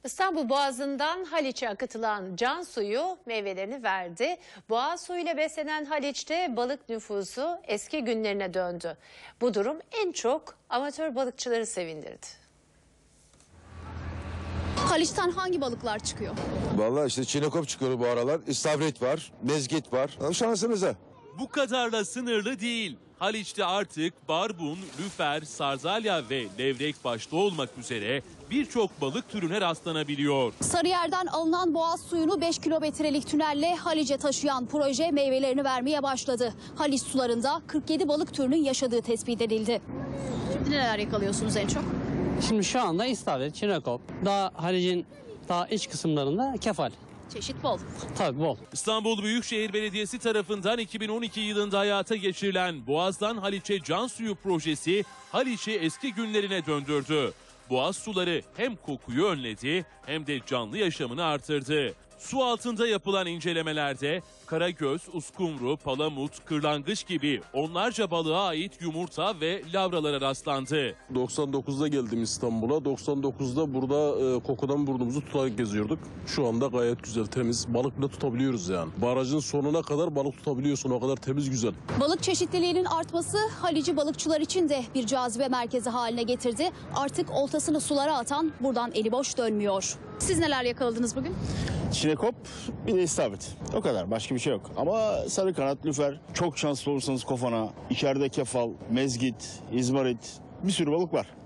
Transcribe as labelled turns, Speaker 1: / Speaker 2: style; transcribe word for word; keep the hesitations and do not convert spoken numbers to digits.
Speaker 1: İstanbul Boğazı'ndan Haliç'e akıtılan can suyu meyvelerini verdi. Boğaz suyuyla beslenen Haliç'te balık nüfusu eski günlerine döndü. Bu durum en çok amatör balıkçıları sevindirdi.
Speaker 2: Haliç'ten hangi balıklar çıkıyor?
Speaker 3: Vallahi işte çinekop çıkıyor bu aralar. İstavrit var, mezgit var. Şansınıza.
Speaker 4: Bu kadarla sınırlı değil. Haliç'te artık barbun, lüfer, sarzalya ve levrek başta olmak üzere birçok balık türüne rastlanabiliyor.
Speaker 2: Sarıyer'den alınan boğaz suyunu beş kilometrelik tünelle Haliç'e taşıyan proje meyvelerini vermeye başladı. Haliç sularında kırk yedi balık türünün yaşadığı tespit edildi. Şimdi neler yakalıyorsunuz en çok?
Speaker 5: Şimdi şu anda istavrit, çinekop, daha Haliç'in daha iç kısımlarında kefal.
Speaker 2: Çeşit bol.
Speaker 5: Tabii bol.
Speaker 4: İstanbul Büyükşehir Belediyesi tarafından iki bin on iki yılında hayata geçirilen Boğaz'dan Haliç'e can suyu projesi Haliç'i eski günlerine döndürdü. Boğaz suları hem kokuyu önledi hem de canlı yaşamını artırdı. Su altında yapılan incelemelerde karagöz, uskumru, palamut, kırlangıç gibi onlarca balığa ait yumurta ve lavralara rastlandı.
Speaker 6: doksan dokuzda geldim İstanbul'a. doksan dokuzda burada e, kokudan burnumuzu tutarak geziyorduk. Şu anda gayet güzel, temiz. Balık bile tutabiliyoruz yani. Barajın sonuna kadar balık tutabiliyorsun. O kadar temiz, güzel.
Speaker 2: Balık çeşitliliğinin artması Haliç'i balıkçılar için de bir cazibe merkezi haline getirdi. Artık oltasını sulara atan buradan eli boş dönmüyor. Siz neler yakaladınız bugün?
Speaker 7: Çinekop, bir de istavrit. O kadar, başka bir şey yok. Ama sarı kanat, lüfer, çok şanslı olursanız kofana, içeride kefal, mezgit, izmarit, bir sürü balık var.